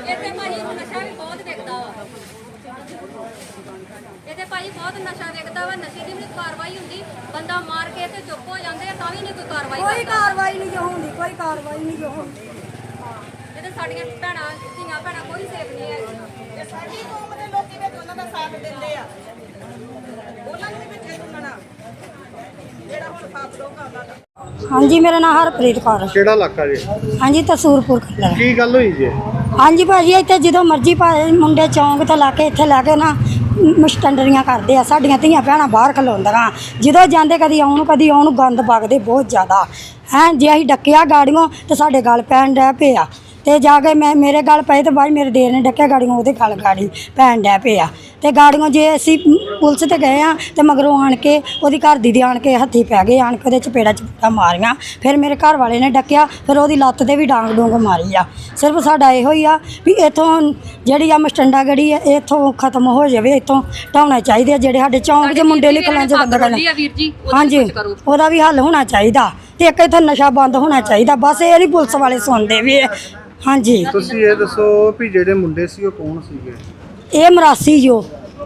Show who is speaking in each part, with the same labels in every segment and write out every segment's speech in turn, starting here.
Speaker 1: ਇੱਥੇ ਭਾਜੀ ਨਸ਼ਾ ਵੀ ਬਹੁਤ ਵਿਕਦਾ ਵਾ। ਇੱਥੇ ਭਾਜੀ ਬਹੁਤ ਨਸ਼ਾ ਵਿਕਦਾ ਵਾ। ਨਸ਼ੇ ਦੀ ਵੀ ਕਾਰਵਾਈ ਹੁੰਦੀ, ਬੰਦਾ ਮਾਰ ਕੇ ਤੇ ਚੁੱਪ ਹੋ ਜਾਂਦੇ ਆ ਤਾਂ ਵੀ ਨਹੀਂ ਕੋਈ ਕਾਰਵਾਈ
Speaker 2: ਕੋਈ ਕਾਰਵਾਈ ਨਹੀਂ ਜੋ ਹੁੰਦੀ, ਕੋਈ ਕਾਰਵਾਈ ਨਹੀਂ ਜੋ ਹੁੰਦੀ।
Speaker 1: ਇਹਦੇ ਸਾਡੀਆਂ ਭੈਣਾਂ ਧੀਆਂ ਭੈਣਾਂ ਕੋਈ ਸੇਫ ਨਹੀਂ ਹੈਗੀਆਂ।
Speaker 3: ਸਾਡੀ ਕੌਮ ਦੇ ਲੋਕੀ ਵਿੱਚ ਉਹਨਾਂ ਦਾ ਸਾਥ ਦਿੰਦੇ ਆ, ਉਹਨਾਂ ਨੂੰ ਵੀ ਵਿੱਚ ਸੁਣਨਾ ਜਿਹੜਾ ਹੁਣ ਸਾਥ ਲੋਕਾਂ ਦਾ।
Speaker 2: ਹਾਂਜੀ, ਮੇਰਾ ਨਾਮ ਹਰਪ੍ਰੀਤ ਕੌਰ।
Speaker 4: ਕਿਹੜਾ ਇਲਾਕਾ ਜੀ?
Speaker 2: ਹਾਂਜੀ, ਤਸੂਰਪੁਰ ਕਲਰ।
Speaker 4: ਕੀ ਗੱਲ ਹੋਈ ਜੀ?
Speaker 2: ਹਾਂਜੀ ਭਾਜੀ, ਇੱਥੇ ਜਦੋਂ ਮਰਜ਼ੀ ਭਾਜੀ ਮੁੰਡੇ ਚੌਂਕ ਤੋਂ ਲਾ ਕੇ ਇੱਥੇ ਲੈ ਕੇ ਨਾ ਮਸਟੰਡਰੀਆਂ ਕਰਦੇ ਆ। ਸਾਡੀਆਂ ਧੀਆਂ ਭੈਣਾਂ ਬਾਹਰ ਖਲੋਂਦੀਆਂ, ਜਦੋਂ ਜਾਂਦੇ ਕਦੀ ਆਉਣ ਗੰਦ ਵਗਦੇ ਬਹੁਤ ਜ਼ਿਆਦਾ ਹੈ। ਜੇ ਅਸੀਂ ਡੱਕਿਆ ਗਾੜੀਆਂ ਤੇ ਸਾਡੇ ਗਲ ਪੈਣ ਡੈ ਪਏ ਆ, ਤੇ ਜਾ ਕੇ ਮੇਰੇ ਗਲ ਪਏ ਤੇ ਬਾਅਦ ਮੇਰੇ ਦੇਰ ਨੇ ਡੱਕਿਆ ਗਾੜੀਆਂ, ਉਹਦੇ ਗਲ ਗਾੜੀ ਪੈਣ ਡੈ ਪਏ ਆ। ਤੇ ਗਾੜੀਆਂ ਜੇ ਅਸੀਂ ਪੁਲਿਸ ਤੇ ਗਏ ਆ ਤੇ ਮਗਰੋਂ ਆਣ ਕੇ ਉਹਦੀ ਘਰ ਦੀ ਦੇ ਆਣ ਕੇ ਹੱਥੀ ਪੈ ਗਏ, ਆਣ ਕੇ ਉਹਦੇ ਚਪੇੜਾ ਮਾਰੀਆਂ। ਫਿਰ ਮੇਰੇ ਘਰ ਵਾਲੇ ਨੇ ਡੱਕਿਆ, ਫਿਰ ਉਹਦੀ ਲੱਤ ਤੇ ਵੀ ਡਾਂਗ ਡੂੰਗ ਮਾਰੀ ਆ। ਸਿਰਫ ਸਾਡਾ ਇਹੋ ਹੀ ਆ ਵੀ ਇੱਥੋਂ ਜਿਹੜੀ ਆ ਮਸਟੰਡਾ ਗੜੀ ਆ ਇੱਥੋਂ ਖਤਮ ਹੋ ਜਾਵੇ, ਇੱਥੋਂ ਢਾਉਣਾ ਚਾਹੀਦੇ ਆ। ਜਿਹੜੇ ਸਾਡੇ ਚੌਂਕ 'ਚ ਮੁੰਡੇ ਨਿਕਲਣ 'ਚ ਬੰਦਾ ਹਾਂਜੀ, ਉਹਦਾ ਵੀ ਹੱਲ ਹੋਣਾ ਚਾਹੀਦਾ। ਤੇ ਇੱਕ ਇੱਥੇ ਨਸ਼ਾ ਬੰਦ ਹੋਣਾ ਚਾਹੀਦਾ। ਬਸ ਇਹ ਨਹੀਂ ਪੁਲਿਸ ਵਾਲੇ ਸੁਣਦੇ ਵੀ। ਹਾਂਜੀ,
Speaker 4: ਤੁਸੀਂ ਇਹ ਦੱਸੋ ਵੀ ਜਿਹੜੇ ਮੁੰਡੇ ਸੀ ਉਹ ਕੌਣ ਸੀਗੇ?
Speaker 2: ਇਹ ਮਰਾਸੀ ਜੋ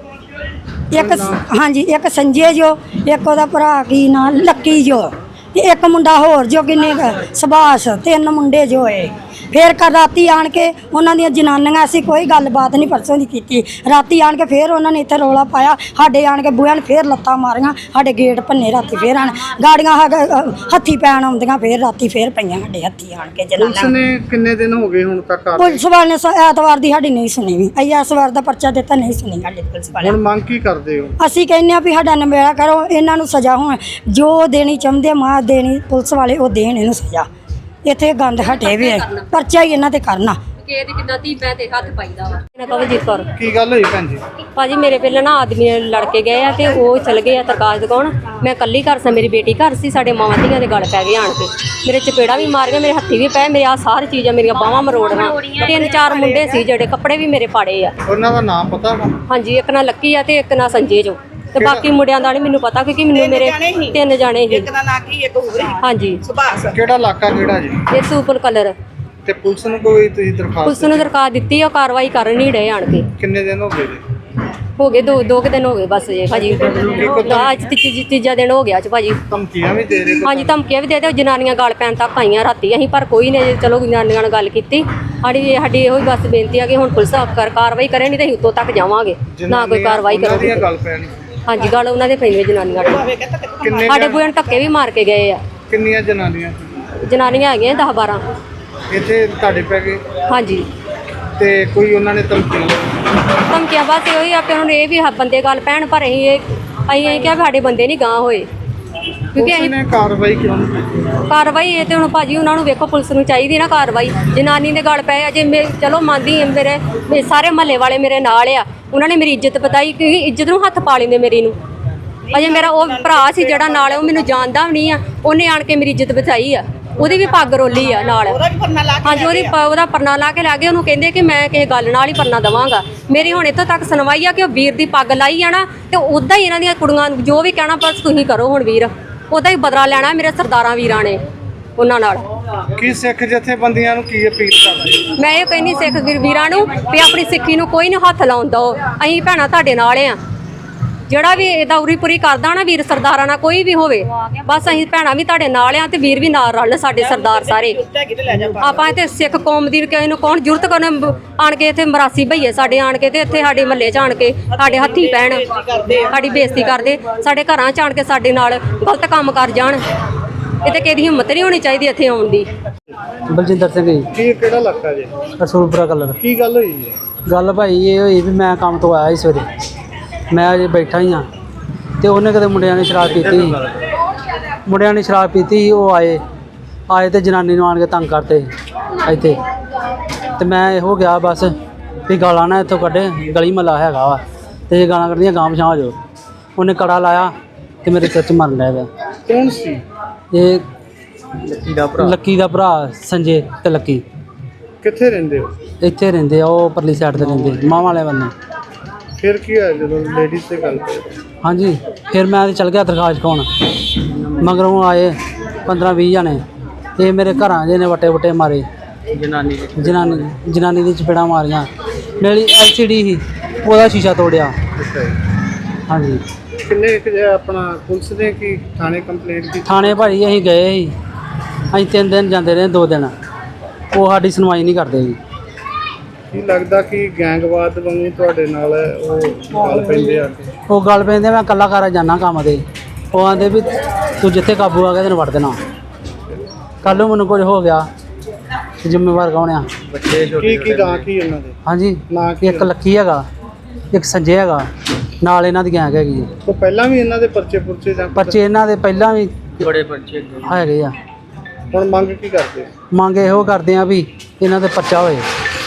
Speaker 2: ਇੱਕ, ਹਾਂਜੀ ਇੱਕ ਸੰਜੇ ਜੋ, ਇੱਕ ਉਹਦਾ ਭਰਾ ਕੀ ਨਾਂ ਲੱਕੀ ਜੋ, ਤੇ ਇੱਕ ਮੁੰਡਾ ਹੋਰ ਜੋ, ਕਿੰਨੇ ਸੁਭਾਸ਼, 3 ਮੁੰਡੇ ਜੋ ਏ। ਫਿਰ ਰਾਤੀ ਆਣ ਕੇ ਉਹਨਾਂ ਦੀਆਂ ਜਨਾਨੀਆਂ, ਅਸੀਂ ਕੋਈ ਗੱਲਬਾਤ ਨਹੀਂ ਪਰਸੋਂ ਦੀ ਕੀਤੀ। ਰਾਤੀ ਆਣ ਕੇ ਫਿਰ ਉਹਨਾਂ ਨੇ ਇੱਥੇ ਰੌਲਾ ਪਾਇਆ, ਸਾਡੇ ਆਣ ਕੇ ਬੂਹਿਆਂ ਨੇ ਫਿਰ ਲੱਤਾਂ ਮਾਰੀਆਂ, ਸਾਡੇ ਗੇਟ ਭੰਨੇ। ਰਾਤੀ ਫਿਰ ਆਣ ਗਾੜੀਆਂ ਹੱਥੀ ਪੈਣ ਆਉਂਦੀਆਂ, ਫਿਰ ਰਾਤੀ ਫਿਰ ਪਈਆਂ ਸਾਡੇ ਹੱਥੀ ਆਣ ਕੇ ਜਨਾਨੀਆਂ।
Speaker 4: ਪੁਲਿਸ ਨੇ ਕਿੰਨੇ ਦਿਨ ਹੋ ਗਏ ਹੁਣ ਤੱਕ?
Speaker 2: ਪੁਲਿਸ ਵਾਲੇ ਨੇ ਐਤਵਾਰ ਦੀ ਸਾਡੀ ਨਹੀਂ ਸੁਣੀ ਵੀ। ਅਸੀਂ ਐਤਵਾਰ ਦਾ ਪਰਚਾ ਦਿੱਤਾ, ਨਹੀਂ ਸੁਣੀ ਸਾਡੀ ਪੁਲਿਸ ਵਾਲੇ।
Speaker 4: ਹੁਣ ਮੰਗ ਕੀ ਕਰਦੇ ਹੋ?
Speaker 2: ਅਸੀਂ ਕਹਿੰਦੇ ਆ ਵੀ ਸਾਡਾ ਨਿਬੇੜਾ ਕਰੋ, ਇਹਨਾਂ ਨੂੰ ਸਜ਼ਾ ਹੋਣ ਜੋ ਦੇਣੀ ਚਾਹੁੰਦੇ ਮਾਂ ਦੇਣੀ ਪੁਲਿਸ ਵਾਲੇ, ਉਹ ਦੇਣ ਇਹਨੂੰ ਸਜ਼ਾ। ਇੱਥੇ ਗੰਦ ਹਟੇ ਵੀ ਪਰਚਾ ਹੀ ਇਹਨਾਂ ਤੇ ਕਰਨਾ।
Speaker 1: ਕਿ ਕਿੰਨਾ ਧੀ ਭੈਣ ਤੇ ਹੱਥ ਪਾਈਦਾ ਵਾ। ਇਹਨਾਂ ਕਵਲਜੀਤ ਕੌਰ।
Speaker 4: ਕੀ ਗੱਲ ਹੋਈ ਭੈਣ ਜੀ?
Speaker 1: ਭਾਜੀ ਮੇਰੇ ਪਹਿਲਾਂ ਨਾ ਆਦਮੀ ਲੜ ਕੇ ਗਏ ਆ ਤੇ ਉਹ ਚਲ ਗਏ ਆ ਤਰਕਾਸ਼ ਦਿਖਾਉਣ। ਮੈਂ ਇਕੱਲੀ ਘਰ ਸਾਂ, ਮੇਰੀ ਬੇਟੀ ਘਰ ਸੀ। ਸਾਡੇ ਮਾਵਾਂ ਧੀਆਂ ਦੇ ਗਲ ਪੈ ਗਏ ਆਣ ਕੇ, ਮੇਰੇ ਚਪੇੜਾ ਵੀ ਮਾਰ ਗਏ, ਮੇਰੇ ਹੱਥੀ ਵੀ ਪਏ, ਮੇਰੇ ਆ ਸਾਰੀ ਚੀਜ਼ਾਂ ਮੇਰੀਆਂ ਬਾਹਾਂ ਮਰੋੜੀਆਂ। 3-4 ਮੁੰਡੇ ਸੀ ਜਿਹੜੇ ਕੱਪੜੇ ਵੀ ਮੇਰੇ ਪਾੜੇ ਆ।
Speaker 4: ਉਹਨਾਂ ਦਾ ਨਾਮ ਪਤਾ ਵਾ?
Speaker 1: ਹਾਂਜੀ, ਇੱਕ ਨਾ ਲੱਕੀ ਆ ਤੇ ਇੱਕ ਨਾ ਸੰਜੇ ਜੋ, ਤੇ ਬਾਕੀ ਮੁੰਡਿਆਂ ਦਾ ਨਹੀਂ ਮੈਨੂੰ ਪਤਾ ਕਿਉਂਕਿ ਮੈਨੂੰ ਮੇਰੇ 3 ਜਾਣੇ ਸੀ।
Speaker 3: ਇੱਕ ਦਾ ਨਾਂ ਕੀ, ਇੱਕ ਹੋਰ
Speaker 1: ਹਾਂਜੀ,
Speaker 3: ਸੁਭਾਸ਼।
Speaker 4: ਕਿਹੜਾ ਇਲਾਕਾ ਕਿਹੜਾ ਜੀ?
Speaker 1: ਇਹ ਸੂਪਰ ਕਲਰ।
Speaker 4: ਤੇ ਪੁਲਿਸ ਨੂੰ ਕੋਈ ਤੁਸੀਂ ਦਰਖਾਸਤ?
Speaker 1: ਪੁਲਿਸ ਨੂੰ ਦਰਖਾਸਤ ਦਿੱਤੀ, ਉਹ ਕਾਰਵਾਈ ਕਰ ਨਹੀਂ ਰਹੇ ਆਣ ਕੇ।
Speaker 4: ਕਿੰਨੇ ਦਿਨ ਹੋ ਗਏ ਜੀ?
Speaker 1: ਹੋ ਗਏ ਦੋ ਕੁ ਦਿਨ ਹੋ ਗਏ ਬਸ ਜੀ ਭਾਜੀ। ਅੱਜ ਤੀਜਾ ਦਿਨ ਹੋ ਗਿਆ ਚ ਭਾਜੀ।
Speaker 4: ਧਮਕੀਆਂ ਵੀ ਦੇ ਰਹੇ?
Speaker 1: ਹਾਂਜੀ, ਧਮਕੀਆਂ ਵੀ ਦੇ ਦਿਓ। ਜਨਾਨੀਆਂ ਗਲ ਪੈਣ ਤੱਕ ਆਈਆਂ ਰਾਤੀ ਅਸੀਂ, ਪਰ ਕੋਈ ਨੇ ਚਲੋ ਜਨਾਨੀਆਂ ਨਾਲ ਗੱਲ ਕੀਤੀ। ਸਾਡੀ ਇਹੋ ਹੀ ਬਸ ਬੇਨਤੀ ਆ ਕਿ ਹੁਣ ਪੁਲਿਸ ਕਾਰਵਾਈ ਕਰੇ, ਨਹੀਂ ਤਾਂ ਅਸੀਂ ਉੱਤੋਂ ਤੱਕ ਜਾਵਾਂਗੇ, ਨਾ ਕੋਈ ਕਾਰਵਾਈ ਕਰੋ।
Speaker 4: ਗੱਲ ਪੈਣੀ?
Speaker 1: ਹਾਂਜੀ, ਗੱਲ ਉਹਨਾਂ ਦੇ ਪਈ ਜਨਾਨੀਆਂ ਦੇ।
Speaker 4: ਕਿੰਨੇ
Speaker 1: ਸਾਡੇ ਬੂਹੇ ਨੂੰ ਧੱਕੇ ਵੀ ਮਾਰ ਕੇ ਗਏ ਆ।
Speaker 4: ਕਿੰਨੀਆਂ ਜਨਾਨੀਆਂ?
Speaker 1: ਜਨਾਨੀਆਂ ਹੈਗੀਆਂ 10-12
Speaker 4: ਇੱਥੇ ਤੁਹਾਡੇ ਪੈ ਗਏ?
Speaker 1: ਹਾਂਜੀ।
Speaker 4: ਤੇ ਕੋਈ ਉਹਨਾਂ ਨੇ
Speaker 1: ਧਮਕੀਆਂ ਬਸ ਇਹੋ ਹੀ ਆ ਕਿ ਉਹਨਾਂ ਨੂੰ ਇਹ ਵੀ ਬੰਦੇ ਗੱਲ ਪੈਣ, ਪਰ ਅਸੀਂ ਕਿਹਾ ਵੀ ਸਾਡੇ ਬੰਦੇ ਨਹੀਂ ਗਾਂਹ ਹੋਏ ਕਿਉਂਕਿ ਅਸੀਂ
Speaker 4: ਕਾਰਵਾਈ ਕਿਉਂ ਨਹੀਂ ਕੀਤੀ?
Speaker 1: ਕਾਰਵਾਈ ਇਹ ਤੇ ਹੁਣ ਭਾਜੀ ਉਹਨਾਂ ਨੂੰ ਵੇਖੋ, ਪੁਲਿਸ ਨੂੰ ਚਾਹੀਦੀ ਨਾ ਕਾਰਵਾਈ। ਜਨਾਨੀ ਦੇ ਗਲ ਪਏ ਅਜੇ ਚਲੋ ਮੰਨਦੀ ਮੇਰੇ ਸਾਰੇ ਮਹੱਲੇ ਵਾਲੇ ਮੇਰੇ ਨਾਲ ਆ, ਉਹਨਾਂ ਨੇ ਮੇਰੀ ਇੱਜ਼ਤ ਬਤਾਈ ਕਿਉਂਕਿ ਇੱਜ਼ਤ ਨੂੰ ਹੱਥ ਪਾ ਲੈਂਦੇ ਮੇਰੀ ਨੂੰ। ਅਜੇ ਮੇਰਾ ਉਹ ਭਰਾ ਸੀ ਜਿਹੜਾ ਨਾਲ, ਉਹ ਮੈਨੂੰ ਜਾਣਦਾ ਵੀ ਨਹੀਂ ਆ, ਉਹਨੇ ਆਣ ਕੇ ਮੇਰੀ ਇੱਜ਼ਤ ਬਚਾਈ ਆ। ਉਹਦੀ ਵੀ ਪੱਗ ਰੋਲੀ ਆ ਨਾਲ। ਹਾਂਜੀ, ਉਹਦਾ ਪਰਨਾ ਲਾ ਕੇ ਲੈ ਗਏ। ਉਹਨੂੰ ਕਹਿੰਦੇ ਕਿ ਮੈਂ ਕਿਸੇ ਗੱਲ ਨਾਲ ਹੀ ਪਰਨਾ ਦੇਵਾਂਗਾ। ਮੇਰੀ ਹੁਣ ਇੱਥੋਂ ਤੱਕ ਸੁਣਵਾਈ ਆ ਕਿ ਉਹ ਵੀਰ ਦੀ ਪੱਗ ਲਾਈ ਆ ਨਾ, ਤੇ ਉੱਦਾਂ ਹੀ ਇਹਨਾਂ ਦੀਆਂ ਕੁੜੀਆਂ ਨੂੰ ਜੋ ਵੀ ਕਹਿਣਾ ਬਸ ਤੁਸੀਂ ਕਰੋ। ਹੁਣ ਵੀਰ ਉਹਦਾ ਹੀ ਬਦਲਾ ਲੈਣਾ ਮੇਰੇ ਸਰਦਾਰਾਂ ਵੀਰਾਂ ਨੇ ਉਹਨਾਂ ਨਾਲ।
Speaker 4: ਕੀ ਸਿੱਖ ਜਥੇਬੰਦੀਆਂ ਨੂੰ ਕੀ ਅਪੀਲ ਕਰਦੇ?
Speaker 1: ਮੈਂ ਇਹ ਕਹਿੰਦੀ ਸਿੱਖ ਵੀਰਾਂ ਨੂੰ ਵੀ ਆਪਣੀ ਸਿੱਖੀ ਨੂੰ ਕੋਈ ਨਾ ਹੱਥ ਲਾਉਣ ਦਿਓ। ਅਸੀਂ ਭੈਣਾਂ ਤੁਹਾਡੇ ਨਾਲ ਆ। ਜਿਹੜਾ ਵੀ ਇਹਦਾ ਉਰੀ ਪੂਰੀ ਕਰਦਾ ਨਾ ਵੀਰ ਸਰਦਾਰਾਂ ਨਾਲ ਕੋਈ ਵੀ ਹੋਵੇ, ਬਸ ਅਸੀਂ ਭੈਣਾਂ ਵੀ ਤੁਹਾਡੇ ਨਾਲ ਆ ਤੇ ਵੀਰ ਵੀ ਨਾਲ ਰਲ ਸਾਡੇ ਸਰਦਾਰ ਸਾਰੇ। ਆਪਾਂ ਇੱਥੇ ਸਿੱਖ ਕੌਮ ਦੀ ਕਿਸੇ ਨੂੰ ਕੌਣ ਜ਼ਰੂਰਤ ਕਰਨ ਆਣ ਕੇ ਇੱਥੇ ਮਰਾਸੀ ਭਈਏ ਸਾਡੇ ਆਣ ਕੇ ਤੇ ਇੱਥੇ ਸਾਡੇ ਮਹੱਲੇ 'ਚ ਆਣ ਕੇ ਸਾਡੇ ਹੱਥੀ ਪੈਣ, ਸਾਡੀ ਬੇਇੱਜ਼ਤੀ ਕਰਦੇ, ਸਾਡੇ ਘਰਾਂ 'ਚ ਆਣ ਕੇ ਸਾਡੇ ਨਾਲ ਗਲਤ ਕੰਮ ਕਰ ਜਾਣ। ਇਹ ਤੇ ਕਿਸੇ ਦੀ ਹਿੰਮਤ ਨਹੀਂ ਹੋਣੀ ਚਾਹੀਦੀ ਇੱਥੇ ਆਉਣ ਦੀ।
Speaker 5: ਬਲਜਿੰਦਰ ਸਿੰਘ ਜੀ।
Speaker 4: ਕੀ ਕਿਹੜਾ ਇਲਾਕਾ ਜੀ?
Speaker 5: ਰਸੂਲਪੁਰਾ ਕਲਰ।
Speaker 4: ਕੀ ਗੱਲ ਹੋਈ ਜੀ?
Speaker 5: ਗੱਲ ਭਾਈ ਇਹ ਹੋਈ ਵੀ ਮੈਂ ਕੰਮ ਤੋਂ ਆਇਆ ਸੀ ਸਵੇਰੇ, ਮੈਂ ਅਜੇ ਬੈਠਾ ਹੀ ਹਾਂ ਤੇ ਉਹਨੇ ਕਦੇ ਮੁੰਡਿਆਂ ਨੇ ਸ਼ਰਾਬ ਪੀਤੀ ਸੀ। ਉਹ ਆਏ ਤੇ ਜਨਾਨੀ ਨੂੰ ਆਣ ਕੇ ਤੰਗ ਕਰਤੇ ਇੱਥੇ, ਤੇ ਮੈਂ ਇਹੋ ਗਿਆ ਬਸ ਵੀ ਗਾਲਾਂ ਨਾ ਇੱਥੋਂ ਕੱਢੇ, ਗਲੀ ਮਹੱਲਾ ਹੈਗਾ ਵਾ ਤੇ ਇਹ ਗਾਲਾਂ ਕੱਢਦੀਆਂ ਗਾਂਵ ਛਾਂ ਹੋ ਜਾਓ। ਉਹਨੇ ਕੜਾ ਲਾਇਆ ਤੇ ਮੇਰੇ ਸਿਰ 'ਚ ਮਰਨ ਲੱਗ ਪਿਆ।
Speaker 4: ਕੌਣ ਸੀ
Speaker 5: ਇਹ? ਲੱਕੀ ਦਾ ਭਰਾ ਸੰਜੇ ਤੇ ਲੱਕੀ।
Speaker 4: ਕਿੱਥੇ ਰਹਿੰਦੇ ਹੋ?
Speaker 5: ਇੱਥੇ ਰਹਿੰਦੇ ਆ, ਉਹ ਪਰਲੀ ਸਾਈਡ ਤੇ ਰਹਿੰਦੇ, ਮਾਂ ਵਾਲੇ ਬੰਨੇ।
Speaker 4: ਫਿਰ ਕੀ ਹੋਇਆ ਜਦੋਂ ਲੇਡੀਜ਼ ਤੇ ਗੱਲ?
Speaker 5: ਹਾਂਜੀ, ਫਿਰ ਮੈਂ ਚੱਲ ਗਿਆ ਦਰਖਾਸਤ ਖਾਣ, ਮਗਰੋਂ ਆਏ 15-20 ਜਣੇ ਤੇ ਮੇਰੇ ਘਰਾਂ ਦੇ ਨੇ ਵਟੇ ਮਾਰੇ ਜਨਾਨੀ ਦੀ ਚਪੇੜਾਂ ਮਾਰੀਆਂ। ਮੇਰੀ LCD ਸੀ, ਉਹਦਾ ਸ਼ੀਸ਼ਾ ਤੋੜਿਆ।
Speaker 4: ਅੱਛਾ ਜੀ।
Speaker 5: ਹਾਂਜੀ।
Speaker 4: ਕਿੰਨੇ ਆਪਣਾ ਪੁਲਿਸ ਨੇ ਕੀ ਥਾਣੇ ਕੰਪਲੇਂਟ ਕੀਤੀ?
Speaker 5: ਥਾਣੇ ਭਾਜੀ ਅਸੀਂ ਗਏ ਸੀ, ਅਸੀਂ 3 ਦਿਨ ਜਾਂਦੇ ਰਹੇ, 2 ਦਿਨ ਉਹ ਸਾਡੀ ਸੁਣਵਾਈ ਨਹੀਂ ਕਰਦੇ ਜੀ।
Speaker 4: ਕੀ ਲੱਗਦਾ ਕਿ ਗੈਂਗਵਾਦ ਵਾਂਗੂ ਤੁਹਾਡੇ ਨਾਲ ਉਹ ਗੱਲ ਪੈਂਦੇ ਆ?
Speaker 5: ਉਹ ਗੱਲ ਪੈਂਦੇ, ਮੈਂ ਇਕੱਲਾ ਘਰ ਜਾਂਦਾ ਕੰਮ ਤੇ, ਉਹ ਆਂਦੇ ਵੀ ਤੂੰ ਜਿੱਥੇ ਕਾਬੂ ਆ ਗਿਆ ਤੈਨੂੰ ਵੜ ਦੇਣਾ। ਕੱਲ੍ਹ ਨੂੰ ਮੈਨੂੰ ਕੁਝ ਹੋ ਗਿਆ, ਜ਼ਿੰਮੇਵਾਰ ਕੌਣ ਆ?
Speaker 4: ਕੀ ਨਾਂ ਕੀ ਉਹਨਾਂ ਦੇ?
Speaker 5: ਹਾਂਜੀ,
Speaker 4: ਨਾਂ ਕੀ?
Speaker 5: ਇੱਕ ਲੱਕੀ ਹੈਗਾ, ਇੱਕ ਸੰਜੇ ਹੈਗਾ, ਨਾਲ ਇਹਨਾਂ ਦੀ ਗੈਂਗ ਹੈਗੀ ਹੈ।
Speaker 4: ਉਹ ਪਹਿਲਾਂ ਵੀ ਇਹਨਾਂ ਦੇ ਪਰਚੇ ਪੁਰਚੇ ਜਾਂ
Speaker 5: ਬੱਚੇ ਇਹਨਾਂ ਦੇ ਪਹਿਲਾਂ ਵੀ ਬੜੇ ਪਰਚੇ ਹੈਗੇ ਆ।
Speaker 4: ਹੁਣ ਮੰਗ ਕੀ ਕਰਦੇ?
Speaker 5: ਮੰਗ ਇਹੋ ਕਰਦੇ ਆ ਵੀ ਇਹਨਾਂ ਤੇ ਪਰਚਾ ਹੋਏ।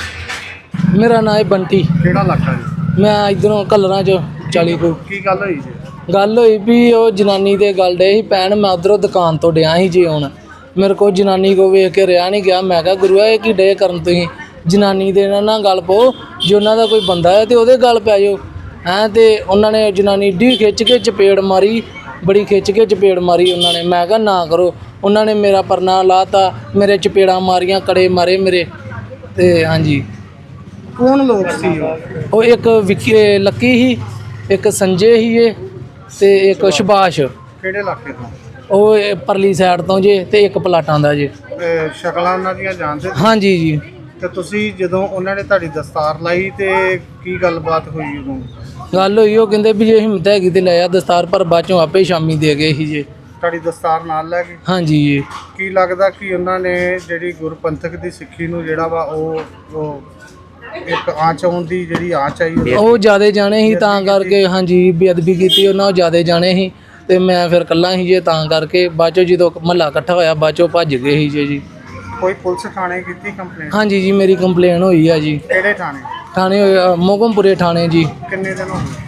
Speaker 6: ਮੇਰਾ ਨਾਂ ਹੈ ਬੰਟੀ।
Speaker 4: ਕਿਹੜਾ ਇਲਾਕਾ ਜੀ?
Speaker 6: ਮੈਂ ਇਧਰੋਂ ਕਲਰਾਂ 'ਚ 40 ਕੋ।
Speaker 4: ਕੀ ਗੱਲ ਹੋਈ ਜੀ?
Speaker 6: ਗੱਲ ਹੋਈ ਵੀ ਉਹ ਜਨਾਨੀ ਦੇ ਗੱਲ ਡੇ ਸੀ ਪੈਣ, ਮੈਂ ਉਧਰੋਂ ਦੁਕਾਨ ਤੋਂ ਡਿਆ ਸੀ ਜੀ। ਹੁਣ ਮੇਰੇ ਕੋਲ ਜਨਾਨੀ ਕੋ ਵੇਖ ਕੇ ਰਿਹਾ ਨਹੀਂ ਗਿਆ। ਮੈਂ ਕਿਹਾ ਗੁਰੂਆ ਇਹ ਕੀ ਡੇ ਕਰਨ ਤੁਸੀਂ? ਜਨਾਨੀ ਦੇ ਨਾਲ ਗੱਲ ਪਾਓ, ਜੇ ਉਹਨਾਂ ਦਾ ਕੋਈ ਬੰਦਾ ਹੈ ਤੇ ਉਹਦੇ ਗੱਲ ਪੈ ਜਾਓ ਹੈਂ। ਤੇ ਉਹਨਾਂ ਨੇ ਜਨਾਨੀ ਢੀ ਖਿੱਚ ਕੇ ਚਪੇੜ ਮਾਰੀ, ਬੜੀ ਖਿੱਚ ਕੇ ਚਪੇੜ ਮਾਰੀ ਉਹਨਾਂ ਨੇ। ਮੈਂ ਕਿਹਾ ਨਾ ਕਰੋ। ਉਹਨਾਂ ਨੇ ਮੇਰਾ ਪਰਨਾ ਲਾਤਾ, ਮੇਰੇ ਚਪੇੜਾਂ ਮਾਰੀਆਂ, ਕੜੇ ਮਾਰੇ ਮੇਰੇ। ਤੇ ਹਾਂਜੀ।
Speaker 4: ਕੌਣ ਲੋਕ ਸੀ ਉਹ?
Speaker 6: ਉਹ ਇੱਕ ਲੱਕੀ ਸੀ, ਇੱਕ ਸੰਜੇ ਸੀ ਇਹ, ਤੇ ਇੱਕ ਸੁਭਾਸ਼।
Speaker 4: ਕਿਹੜੇ ਇਲਾਕੇ ਤੋਂ?
Speaker 6: ਉਹ ਪਰਲੀ ਸਾਈਡ ਤੋਂ ਜੇ, ਤੇ ਇੱਕ ਪਲਾਟਾਂ ਦਾ ਜੇ।
Speaker 4: ਸ਼ਕਲਾਂ ਉਹਨਾਂ ਦੀਆਂ ਜਾਣਦੇ?
Speaker 6: ਹਾਂਜੀ ਜੀ।
Speaker 4: ਤੇ ਤੁਸੀਂ ਜਦੋਂ ਉਹਨਾਂ ਨੇ ਤੁਹਾਡੀ ਦਸਤਾਰ ਲਾਈ ਤੇ ਕੀ ਗੱਲਬਾਤ ਹੋਈ ਉਦੋਂ?
Speaker 6: ਗੱਲ ਹੋਈ, ਉਹ ਕਹਿੰਦੇ ਵੀ ਜੇ ਹਿੰਮਤ ਹੈਗੀ ਤੇ ਲੈ ਆ ਦਸਤਾਰ, ਪਰ ਬਾਅਦ ਚੋਂ ਆਪੇ ਸ਼ਾਮੀ ਦੇ ਗਏ ਸੀ ਜੇ।
Speaker 4: ਤੁਹਾਡੀ ਦਸਤਾਰ ਨਾਲ ਲੈ ਗਏ?
Speaker 6: ਹਾਂਜੀ ਜੀ।
Speaker 4: ਕੀ ਲੱਗਦਾ ਕਿ ਉਹਨਾਂ ਨੇ ਜਿਹੜੀ ਗੁਰਪੰਥਕ ਦੀ ਸਿੱਖੀ ਨੂੰ ਜਿਹੜਾ ਵਾ ਉਹ ਇੱਕ ਆਂਚ ਆਉਣ ਦੀ ਜਿਹੜੀ ਆਂਚ ਆਈ
Speaker 6: ਉਹ ਜ਼ਿਆਦੇ ਜਾਣੇ ਸੀ ਤਾਂ ਕਰਕੇ। ਹਾਂਜੀ, ਬੇਅਦਬੀ ਕੀਤੀ ਉਹਨਾਂ, ਉਹ ਜ਼ਿਆਦੇ ਜਾਣੇ ਸੀ ਤੇ ਮੈਂ ਫਿਰ ਇਕੱਲਾ ਸੀ ਜੇ, ਤਾਂ ਕਰਕੇ ਬਾਅਦ ਚੋਂ ਜਦੋਂ ਮਹੱਲਾ ਇਕੱਠਾ ਹੋਇਆ ਬਾਅਦ ਚੋਂ ਭੱਜ ਗਏ ਸੀ ਜੀ।
Speaker 4: ਕੋਈ ਪੁਲਿਸ ਥਾਣੇ ਕੀਤੀ ਕੰਪਲੇਂਟ?
Speaker 6: ਹਾਂਜੀ ਜੀ, ਮੇਰੀ ਕੰਪਲੇਨ ਹੋਈ ਆ ਜੀ।
Speaker 4: ਕਿਹੜੇ ਥਾਣੇ?
Speaker 6: ਥਾਣੇ ਮੋਗਮਪੁਰੇ ਥਾਣੇ ਜੀ।
Speaker 4: ਕਿੰਨੇ ਦਿਨ ਹੋ ਗਏ?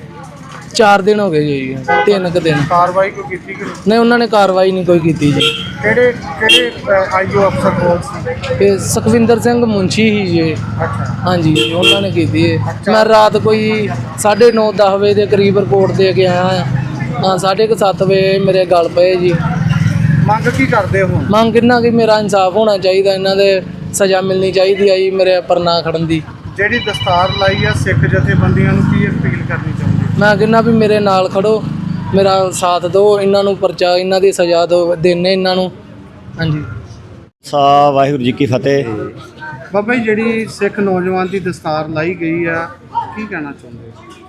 Speaker 6: 4 ਦਿਨ ਹੋ ਗਏ ਜੀ, 3 ਕੁ ਦਿਨ।
Speaker 4: ਕਾਰਵਾਈ ਕੋਈ ਕੀਤੀ ਕਿ ਨਹੀਂ?
Speaker 6: ਨਹੀਂ, ਉਹਨਾਂ ਨੇ ਕਾਰਵਾਈ ਨਹੀਂ ਕੋਈ ਕੀਤੀ ਜੀ।
Speaker 4: ਕਿਹੜੇ ਆਈਓ ਅਫਸਰ ਕੋਲ ਸੀ?
Speaker 6: ਇਹ ਸੁਖਵਿੰਦਰ ਸਿੰਘ ਮੁੰਸ਼ੀ ਹੀ ਜੀ।
Speaker 4: ਅੱਛਾ।
Speaker 6: ਹਾਂਜੀ, ਉਹਨਾਂ ਨੇ ਕੀਤੀ ਹੈ। ਮੈਂ ਰਾਤ ਕੋਈ 9:30 10 ਵਜੇ ਦੇ ਕਰੀਬ ਰਿਪੋਰਟ ਦੇ ਕੇ ਆਇਆ ਹਾਂ। 7:30 ਵਜੇ ਮੇਰੇ ਗਲ ਪਏ ਜੀ।
Speaker 4: ਮੰਗ ਕੀ ਕਰਦੇ ਹੋ?
Speaker 6: ਮੰਗ ਕਿੰਨਾ ਕਿ ਮੇਰਾ ਇਨਸਾਫ ਹੋਣਾ ਚਾਹੀਦਾ, ਇਹਨਾਂ ਦੇ ਸਜ਼ਾ ਮਿਲਣੀ ਚਾਹੀਦੀ ਆ ਜੀ ਮੇਰੇ ਪਰਨਾ ਖੜਨ ਦੀ।
Speaker 4: ਜਿਹੜੀ ਦਸਤਾਰ ਲਾਈ ਆ ਸਿੱਖ ਜਥੇਬੰਦੀਆਂ ਨੂੰ ਕੀ ਅਪੀਲ ਕਰਨੀ ਚਾਹੁੰਦੇ?
Speaker 6: ਮੈਂ ਕਹਿੰਦਾ ਵੀ ਮੇਰੇ ਨਾਲ ਖੜੋ, ਮੇਰਾ ਸਾਥ ਦਿਓ, ਇਹਨਾਂ ਨੂੰ ਪਰਚਾ, ਇਹਨਾਂ ਦੀ ਸਜ਼ਾ ਦਿਓ, ਦੇਣੇ ਇਹਨਾਂ ਨੂੰ। ਹਾਂਜੀ।
Speaker 7: ਵਾਹਿਗੁਰੂ ਜੀ ਕੀ ਫਤਿਹ।
Speaker 4: ਬਾਬਾ ਜੀ, ਜਿਹੜੀ ਸਿੱਖ ਨੌਜਵਾਨ ਦੀ ਦਸਤਾਰ ਲਾਈ ਗਈ ਆ, ਕੀ ਕਹਿਣਾ ਚਾਹੁੰਦੇ?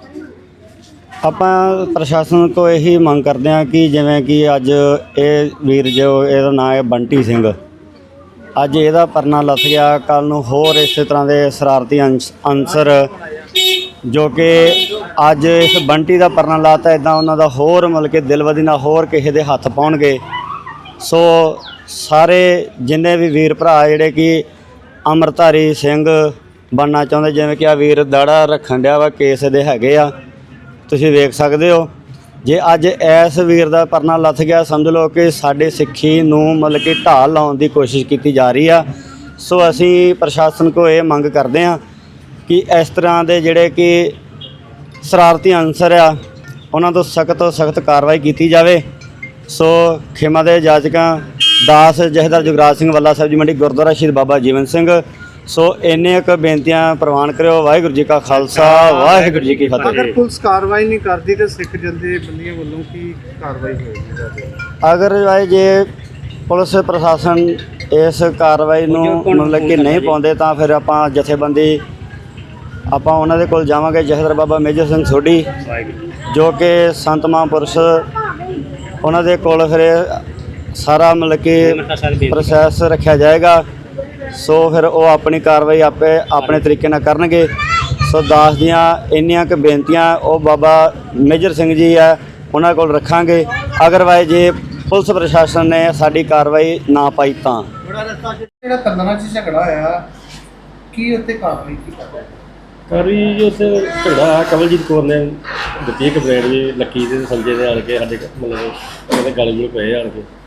Speaker 7: ਆਪਾਂ ਪ੍ਰਸ਼ਾਸਨ ਕੋ ਇਹੀ ਮੰਗ ਕਰਦੇ ਹਾਂ ਕਿ ਜਿਵੇਂ ਕਿ ਅੱਜ ਇਹ ਵੀਰ ਜੋ ਇਹਦਾ ਨਾਂ ਹੈ ਬੰਟੀ ਸਿੰਘ, ਅੱਜ ਇਹਦਾ ਪਰਨਾ ਲੱਥ ਗਿਆ, ਕੱਲ੍ਹ ਨੂੰ ਹੋਰ ਇਸੇ ਤਰ੍ਹਾਂ ਦੇ ਸ਼ਰਾਰਤੀ ਅਨਸਰ ਜੋ ਕਿ ਅੱਜ ਇਸ ਬੰਟੀ ਦਾ ਪਰਨਾ ਲਾਤਾ, ਇੱਦਾਂ ਉਹਨਾਂ ਦਾ ਹੋਰ ਮਤਲਬ ਕਿ ਦਿਲਵਦੀ ਨਾਲ ਹੋਰ ਕਿਸੇ ਦੇ ਹੱਥ ਪਾਉਣਗੇ। ਸੋ ਸਾਰੇ ਜਿੰਨੇ ਵੀ ਵੀਰ ਭਰਾ ਜਿਹੜੇ ਕਿ ਅੰਮ੍ਰਿਤਧਾਰੀ ਸਿੰਘ ਬਣਨਾ ਚਾਹੁੰਦੇ, ਜਿਵੇਂ ਕਿ ਆ ਵੀਰ ਦਾੜਾ ਰੱਖਣ ਡਿਆ ਵਾ, ਕੇਸ ਦੇ ਹੈਗੇ ਆ, ਤੁਸੀਂ ਵੇਖ ਸਕਦੇ ਹੋ। ਜੇ ਅੱਜ ਇਸ ਵੀਰ ਦਾ ਪਰਨਾ ਲੱਥ ਗਿਆ, ਸਮਝ ਲਓ ਕਿ ਸਾਡੇ ਸਿੱਖੀ ਨੂੰ ਮਤਲਬ ਕਿ ਢਾਲ ਲਾਉਣ ਦੀ ਕੋਸ਼ਿਸ਼ ਕੀਤੀ ਜਾ ਰਹੀ ਆ। ਸੋ ਅਸੀਂ ਪ੍ਰਸ਼ਾਸਨ ਕੋਲ ਇਹ ਮੰਗ ਕਰਦੇ ਹਾਂ ਕਿ ਇਸ ਤਰ੍ਹਾਂ ਦੇ ਜਿਹੜੇ ਕਿ ਸ਼ਰਾਰਤੀ ਅਨਸਰ ਆ, ਉਹਨਾਂ ਤੋਂ ਸਖਤ ਤੋਂ ਸਖਤ ਕਾਰਵਾਈ ਕੀਤੀ ਜਾਵੇ। ਸੋ ਖੇਮਾ ਦੇ ਜਾਜਕਾਂ ਦਾਸ ਜਥੇਦਾਰ ਜੁਗਰਾਜ ਸਿੰਘ ਵੱਲਾ ਸਾਹਿਬ ਜੀ ਮੰਡੀ, ਗੁਰਦੁਆਰਾ ਸ਼ਹੀਦ ਬਾਬਾ ਜੀਵਨ ਸਿੰਘ। ਸੋ ਇੰਨੇ ਕੁ ਬੇਨਤੀਆਂ ਪ੍ਰਵਾਨ ਕਰਿਓ। ਵਾਹਿਗੁਰੂ ਜੀ ਕਾ ਖਾਲਸਾ, ਵਾਹਿਗੁਰੂ ਜੀ ਕੀ ਫਤਿਹ।
Speaker 4: ਅਗਰ ਪੁਲਿਸ ਕਾਰਵਾਈ ਨਹੀਂ ਕਰਦੀ ਤਾਂ ਸਿੱਖ ਜਥੇਬੰਦੀਆਂ ਵੱਲੋਂ ਕੀ ਕਾਰਵਾਈ ਹੋਏਗੀ?
Speaker 7: ਅਗਰ ਜੇ ਪੁਲਿਸ ਪ੍ਰਸ਼ਾਸਨ ਇਸ ਕਾਰਵਾਈ ਨੂੰ ਮਤਲਬ ਕਿ ਨਹੀਂ ਪਾਉਂਦੇ ਤਾਂ ਫਿਰ ਆਪਾਂ ਜਥੇਬੰਦੀ ਆਪਾਂ ਉਹਨਾਂ ਦੇ ਕੋਲ ਜਾਵਾਂਗੇ। ਜਥੇਦਾਰ ਬਾਬਾ ਮੇਜਰ ਸਿੰਘ ਸੋਢੀ ਜੋ ਕਿ ਸੰਤ ਮਹਾਂਪੁਰਸ਼, ਉਹਨਾਂ ਦੇ ਕੋਲ ਫਿਰ ਸਾਰਾ ਮਤਲਬ ਕਿ ਪ੍ਰੋਸੈਸ ਰੱਖਿਆ ਜਾਏਗਾ। ਸੋ ਫਿਰ ਉਹ ਆਪਣੀ ਕਾਰਵਾਈ ਆਪੇ ਆਪਣੇ ਤਰੀਕੇ ਨਾਲ ਕਰਨਗੇ। ਸੋ ਦਾਸ ਦੀਆਂ ਇੰਨੀਆਂ ਕੁ ਬੇਨਤੀਆਂ ਉਹ ਬਾਬਾ ਮੇਜਰ ਸਿੰਘ ਜੀ ਆ, ਉਹਨਾਂ ਕੋਲ ਰੱਖਾਂਗੇ। ਅਗਰਵਾਈਜ਼ ਜੇ ਪੁਲਿਸ ਪ੍ਰਸ਼ਾਸਨ ਨੇ ਸਾਡੀ ਕਾਰਵਾਈ ਨਾ ਪਾਈ ਤਾਂ
Speaker 4: ਜਿਹੜਾ ਕੰਦਰਾਂ 'ਚ ਝਗੜਾ ਹੋਇਆ, ਕੀ ਉੱਤੇ ਕਾਰਵਾਈ ਕੀ ਕਰਦੇ?
Speaker 8: ਕਾਰਵਾਈ ਜੀ ਉੱਥੇ ਝਗੜਾ ਕਮਲਜੀਤ ਕੌਰ ਨੇ ਦਿੱਤੀ ਕੰਪਲੇਂਟ ਜੀ, ਲੱਕੀ ਦੇ ਸੰਜੇ ਦੇ ਆਣ ਕੇ ਸਾਡੇ ਮਤਲਬ ਉਹਦੇ ਗਲ ਗੁਲ ਪਏ ਆਣ ਕੇ,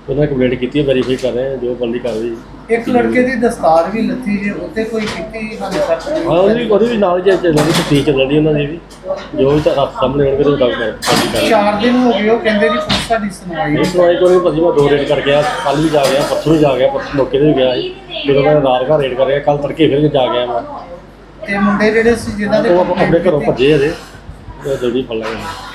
Speaker 8: ਉਹਨਾਂ ਨੇ ਕੰਪਲੇਂਟ ਕੀਤੀ ਹੈ, ਵੈਰੀਫਾਈ ਕਰ ਰਹੇ ਹਾਂ ਜੋ ਬੰਦੀ ਕਰ ਰਹੀ।
Speaker 4: ਇੱਕ ਲੜਕੇ ਦੀ ਦਸਤਾਰ ਵੀ ਲੱਥੀ ਜੇ ਉੱਤੇ ਕੋਈ ਕੀਤੀ ਹਾਲੇ ਤੱਕ
Speaker 8: ਹਾਂ ਉਹਦੀ ਵੀ ਨਾਲ ਜੇ ਚੱਲਣ ਦੀ ਤਫਤੀਸ਼ ਚੱਲਣ ਦੀ ਉਹਨਾਂ ਦੀ ਵੀ, ਜੋ ਵੀ ਤਾਂ ਹੱਥ ਸਾਹਮਣੇ ਹੋਣਗੇ ਤਾਂ ਗੱਲ ਕਰ
Speaker 4: 4 ਦਿਨ ਹੋ ਗਏ ਉਹ ਕਹਿੰਦੇ ਜੀ ਪੁਲਿਸ ਸਾਡੀ ਸੁਣਵਾਈ
Speaker 8: ਇਹ ਸੁਣਵਾਈ ਕੋਈ ਨਹੀਂ ਭਾਜੀ, ਮੈਂ 2 ਰੇਡ ਕਰ ਗਿਆ, ਕੱਲ ਵੀ ਜਾ ਗਿਆ, ਪਰਸੋਂ ਵੀ ਜਾ ਗਿਆ, ਪਰਸੋਂ ਮੌਕੇ ਤੇ ਵੀ ਗਿਆ ਸੀ, ਜਦੋਂ ਮੈਂ ਰਾਤ ਘਰ ਰੇਡ ਕਰ ਰਿਹਾ, ਕੱਲ ਤੜਕੇ ਫਿਰ ਜਾ ਗਿਆ ਮੈਂ।
Speaker 4: ਤੇ ਮੁੰਡੇ ਜਿਹੜੇ ਸੀ ਜਿਨ੍ਹਾਂ ਦੇ
Speaker 8: ਉਹ ਆਪਣੇ ਘਰੋਂ ਭੱਜੇ ਅਜੇ, ਜਲਦੀ ਫੜ ਲਾਂਗੇ।